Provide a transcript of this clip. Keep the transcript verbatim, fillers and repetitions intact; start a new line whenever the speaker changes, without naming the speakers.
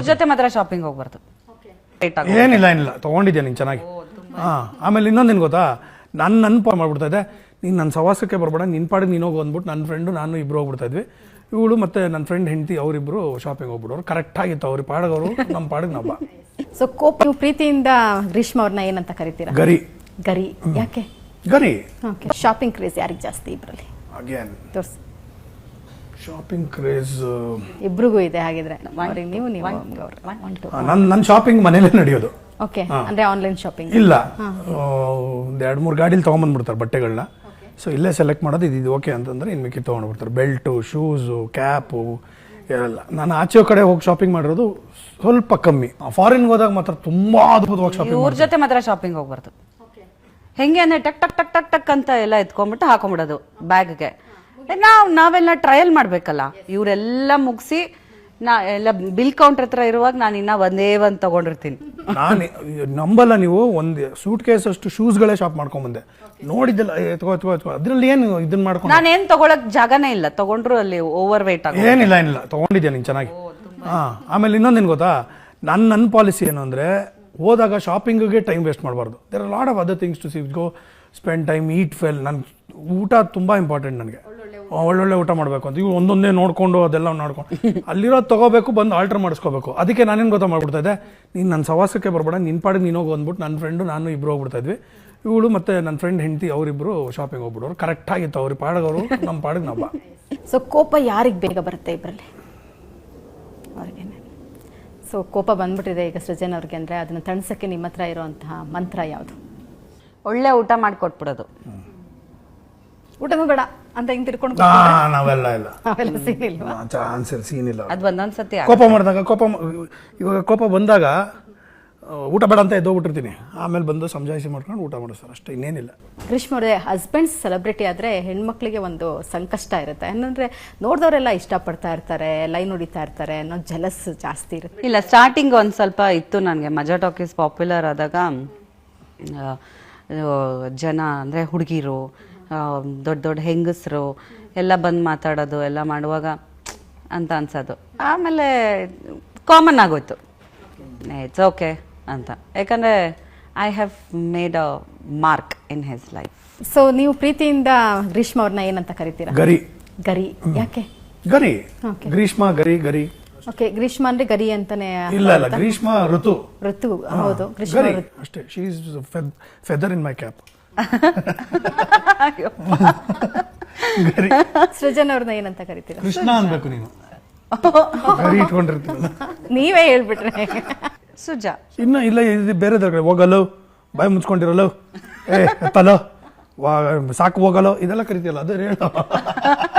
ಜೊತೆ ಮಾತ್ರ ಶಾಪಿಂಗ್ ಹೋಗ್ಬಾರ್ದು.
ಏನಿಲ್ಲ ಏನಿಲ್ಲ ತೊಗೊಂಡಿದ್ಯಾ ನೀನು ಚೆನ್ನಾಗಿ. ಹಾಂ, ಆಮೇಲೆ ಇನ್ನೊಂದೇನು ಗೊತ್ತಾ, ನನ್ನ ನೆನಪು ಮಾಡ್ಬಿಡ್ತಾ ಇದೆ, ನೀನು ನನ್ನ ಸವಾಸಕ್ಕೆ ಬರಬೇಡ, ನಿನ್ನ ಪಾಡಿಗೆ ನೀನು ಹೋಗಿ ಅಂದ್ಬಿಟ್ಟು ನನ್ನ ಫ್ರೆಂಡು ನಾನು ಇಬ್ಬರು ಹೋಗ್ಬಿಡ್ತಾ ಇದ್ವಿ. ಇವಳು ಮತ್ತು ನನ್ನ ಫ್ರೆಂಡ್ ಹೆಂಡತಿ ಅವರಿಬ್ಬರು ಶಾಪಿಂಗ್ ಹೋಗ್ಬಿಡೋರು. ಕರೆಕ್ಟಾಗಿತ್ತು, ಅವ್ರ ಪಾಡಿಗೆ ಅವರು, ನಮ್ಮ ಪಾಡಿಗೆ ನಾವು.
ಸೊ ಕೋಪ, ನೀವು ಪ್ರೀತಿಯಿಂದ ಗ್ರೀಷ್ಮ ಅವ್ರನ್ನ ಏನಂತ ಕರಿತೀರಾ?
ಗರಿ.
ಗರಿ ಯಾಕೆ?
ಗರಿ.
ಓಕೆ. ಶಾಪಿಂಗ್ ಕ್ರೇಜ್ ಯಾರಿಗೆ ಜಾಸ್ತಿ ಇಬ್ಬರಲ್ಲಿ?
ಅಗೇನ್
ತೋರಿಸಿ.
ಶಾಪಿಂಗ್ ಕ್ರೇಜ್
ಇಬ್ರಿಗೂ ಇದೆ ಹಾಗಿದ್ರೆ. ಅವ್ರಿಗೆ ನೀವು ನೀವು
ನನ್ನ ನನ್ನ ಶಾಪಿಂಗ್ ಮನೇಲೇ ನಡೆಯೋದು.
ಓಕೆ. ಅಂದ್ರೆ ಆನ್ಲೈನ್ ಶಾಪಿಂಗ್
ಇಲ್ಲ, ಒಂದು ಎರಡು ಮೂರು ಗಾಡೀಲಿ ತೊಗೊಂಬಂದ್ಬಿಡ್ತಾರೆ ಬಟ್ಟೆಗಳನ್ನ. ಸೊ ಇಲ್ಲೇ ಸೆಲೆಕ್ಟ್ ಮಾಡೋದು, ಇದು ಓಕೆ ಅಂತಂದರೆ ಇನ್ನು ಮಿಕ್ಕಿ ತೊಗೊಂಡ್ಬಿಡ್ತಾರೆ. ಬೆಲ್ಟು, ಶೂಸು, ಕ್ಯಾಪು ಎಲ್ಲ. ನಾನು ಆಚೆ ಕಡೆ ಹೋಗಿ ಶಾಪಿಂಗ್ ಮಾಡಿರೋದು ಸ್ವಲ್ಪ ಕಮ್ಮಿ. ಫಾರಿನ್ಗೆ ಹೋದಾಗ ಮಾತ್ರ ತುಂಬಾ ಅದ್ಭುತವಾಗಿ ಶಾಪಿಂಗ್.
ಇವ್ರ ಜೊತೆ ಮಾತ್ರ ಶಾಪಿಂಗ್ ಹೋಗ್ಬಾರ್ದು. ಹೆಂಗೆ ಅಂದ್ರೆ ಟಕ್ ಟಕ್ ಟಕ್ ಟಕ್ ಟಕ್ ಅಂತ ಎಲ್ಲ ಎತ್ಕೊಂಡ್ಬಿಟ್ಟು ಹಾಕೊಂಡ್ಬಿಡೋದು ಬ್ಯಾಗ್ಗೆ. ನಾವು ನಾವೆಲ್ಲ ಟ್ರಯಲ್ ಮಾಡ್ಬೇಕಲ್ಲ. ಇವರೆಲ್ಲ ಮುಗಿಸಿ ನಾ ಎಲ್ಲ ಬಿಲ್ ಕೌಂಟರ್ ಹತ್ರ ಇರುವಾಗ ನಾನು ಇನ್ನ ಒಂದೇ ಒಂದು ತಗೊಂಡಿರ್ತೀನಿ.
ನಾನು ನಂಬಲ್ಲ, ನೀವು ಒಂದು ಸೂಟ್ ಕೇಸ್ ಅಷ್ಟು ಶೂಸ್ಗಳೇ ಶಾಪ್ ಮಾಡ್ಕೊಂಡ್ಬಂದೆ. ನೋಡಿದ್ದೆಲ್ಲ ಎತ್ಕೋ ಎತ್ಕೋ ಎತ್ಕೋ ಅದ್ರಲ್ಲಿ ಏನು ಇದನ್ನ ಮಾಡ್ಕೊಂಡು
ನಾನು ಏನು ತಗೊಳಕ್ ಜಾಗನೇ ಇಲ್ಲ. ತಗೊಂಡ್ರು ಅಲ್ಲಿ ಓವರ್ ವೇಟ್ ಆಗ.
ಏನಿಲ್ಲ ಏನಿಲ್ಲ ತೊಗೊಂಡಿದ್ಯಾ ನೀನು ಚೆನ್ನಾಗಿ. ಹಾಂ, ಆಮೇಲೆ ಇನ್ನೊಂದೇನು ಗೊತ್ತಾ, ನನ್ನ ನನ್ನ ಪಾಲಿಸಿ ಏನು ಅಂದರೆ, ಹೋದಾಗ ಶಾಪಿಂಗಿಗೆ ಟೈಮ್ ವೇಸ್ಟ್ ಮಾಡಬಾರ್ದು. There are lot of other things to see go spend time, eat well. ನನ್ನ ಊಟ ತುಂಬ ಇಂಪಾರ್ಟೆಂಟ್ ನನಗೆ. ಒಳ್ಳೊಳ್ಳೆ ಊಟ ಮಾಡಬೇಕು ಅಂತ ಇವು ಒಂದೊಂದೇ ನೋಡಿಕೊಂಡು ಅದೆಲ್ಲ ನೋಡ್ಕೊಂಡು ಅಲ್ಲಿರೋದು ತೊಗೋಬೇಕು, ಬಂದು ಆಲ್ಟ್ರ್ ಮಾಡಿಸ್ಕೋಬೇಕು. ಅದಕ್ಕೆ ನಾನೇನು ಗೊತ್ತಾ ಮಾಡ್ಬಿಡ್ತಾ ಇದ್ದೆ, ನೀನು ನನ್ನ ಸವಾಸಕ್ಕೆ ಬರಬೇಡ, ನಿನ್ನ ಪಾಡಿಗೆ ನೀನು ಹೋಗಿ ಅಂದ್ಬಿಟ್ಟು ನನ್ನ ಫ್ರೆಂಡು ನಾನು ಇಬ್ಬರು ಹೋಗ್ಬಿಡ್ತಾ ಇದ್ವಿ. ಇವಳು ಮತ್ತು ನನ್ನ ಫ್ರೆಂಡ್ ಹೆಂಡತಿ ಅವರಿಬ್ಬರು ಶಾಪಿಂಗ್ ಹೋಗ್ಬಿಡೋರು. ಕರೆಕ್ಟಾಗಿತ್ತು, ಅವ್ರ ಪಾಡಿಗೆ ಅವರು, ನಮ್ಮ ಪಾಡಿಗೆ ನಾವು.
ಸೊ ಕೋಪ ಯಾರಿಗೆ ಬೇಗ ಬರುತ್ತೆ ಇಬ್ಬರಲ್ಲಿ? ಅವ್ರಿಗೇನೆ. ಸೊ ಕೋಪ ಬಂದ್ಬಿಟ್ಟಿದೆ ಈಗ ಸೃಜನ್ ಅವ್ರಿಗೆ ಅಂದರೆ, ಅದನ್ನು ತಣಿಸೋಕ್ಕೆ ನಿಮ್ಮ ಹತ್ರ ಇರೋಂತಹ ಮಂತ್ರ ಯಾವುದು?
ಒಳ್ಳೆ ಊಟ ಮಾಡಿಕೊಟ್ಬಿಡೋದು.
ಊಟನೂ ಬೇಡ ಅಂತ ಹಿಂಗೆ ತಿರ್ಕೊಂಡು
ನಾವೆಲ್ಲ ಇಲ್ಲ,
ಅವೆಲ್ಲ ಸೀನ್ ಇಲ್ವಾ?
ಚಾನ್ಸ್ ಇಲ್ಲ, ಸೀನ್ ಇಲ್ಲ.
ಅದು ಒಂದೊಂದ್ಸತಿ
ಕೋಪ ಮಾಡಿದಾಗ, ಕೋಪ ಇವಾಗ ಕೋಪ ಬಂದಾಗ ಊಟ ಬೇಡ ಅಂತ ಎದ್ದೋಗ್ಬಿಟ್ಟಿರ್ತೀನಿ. ಆಮೇಲೆ ಬಂದು ಸಮಜಾಯಿಸಿ ಮಾಡ್ಕೊಂಡು ಊಟ ಮಾಡಿಸ್ತಾರೆ, ಅಷ್ಟೇ, ಇನ್ನೇನಿಲ್ಲ.
ಗ್ರೀಷ್ಮ ಅವರೇ, ಹಸ್ಬೆಂಡ್ಸ್ ಸೆಲೆಬ್ರಿಟಿ ಆದರೆ ಹೆಣ್ಮಕ್ಳಿಗೆ ಒಂದು ಸಂಕಷ್ಟ ಇರುತ್ತೆ. ಏನಂದರೆ ನೋಡಿದವರೆಲ್ಲ ಇಷ್ಟಪಡ್ತಾ ಇರ್ತಾರೆ, ಲೈನ್ ಹೊಡಿತಾ ಇರ್ತಾರೆ ಅನ್ನೋ ಜಲಸ್ ಜಾಸ್ತಿ ಇರುತ್ತೆ.
ಇಲ್ಲ, ಸ್ಟಾರ್ಟಿಂಗ್ ಒಂದು ಸ್ವಲ್ಪ ಇತ್ತು ನನಗೆ. ಮಜಾ ಟಾಕೀಸ್ ಪಾಪ್ಯುಲರ್ ಆದಾಗ ಜನ ಅಂದರೆ ಹುಡುಗಿರು, ದೊಡ್ಡ ದೊಡ್ಡ ಹೆಂಗಸರು ಎಲ್ಲ ಬಂದು ಮಾತಾಡೋದು ಎಲ್ಲ ಮಾಡುವಾಗ ಅಂತ ಅನ್ಸೋದು. ಆಮೇಲೆ ಕಾಮನ್ ಆಗೋಯ್ತು, ಇಟ್ಸ್ ಓಕೆ ಅಂತ. ಯಾಕಂದರೆ I have made a mark in his life.
So ನೀವು ಪ್ರೀತಿಯಿಂದ ಗ್ರೀಷ್ಮ ಅವ್ರನ್ನ ಏನಂತ ಕರಿತೀರಾ?
ಗರಿ.
ಗರಿ ಯಾಕೆ?
ಗರಿ. ಗ್ರೀಷ್ಮ, ಗರಿ, ಗರಿ.
ಓಕೆ. ಗ್ರೀಷ್ಮ ಅಂದ್ರೆ ಗರಿ ಅಂತಾನೆ?
ಇಲ್ಲ ಇಲ್ಲ, ಗ್ರೀಷ್ಮ ಋತು.
ಋತು, ಹೌದು. ಗ್ರೀಷ್ಮ
ಅಷ್ಟೇ. She is feather in my cap.
Srujan ಅವ್ರನ್ನ ಏನಂತ ಕರಿತೀರಾ?
ಕೃಷ್ಣ ಅನ್ಬೇಕು ನೀನು. ಗರಿ ಇಟ್ಕೊಂಡಿರ್ತೀರ,
ನೀವೇ ಹೇಳ್ಬಿಟ್ರೆ.
ಸುಜಾ.
ಇನ್ನು ಇಲ್ಲ, ಇದು ಬೇರೆ ಹೋಗಲು, ಬಾಯಿ ಮುಚ್ಕೊಂಡಿರಲು, ಏ ತಲೋ, ಸಾಕು ಹೋಗಲು, ಇದೆಲ್ಲ ಕರಿತೀಯಲ್ಲ, ಅದೇ ಹೇಳ.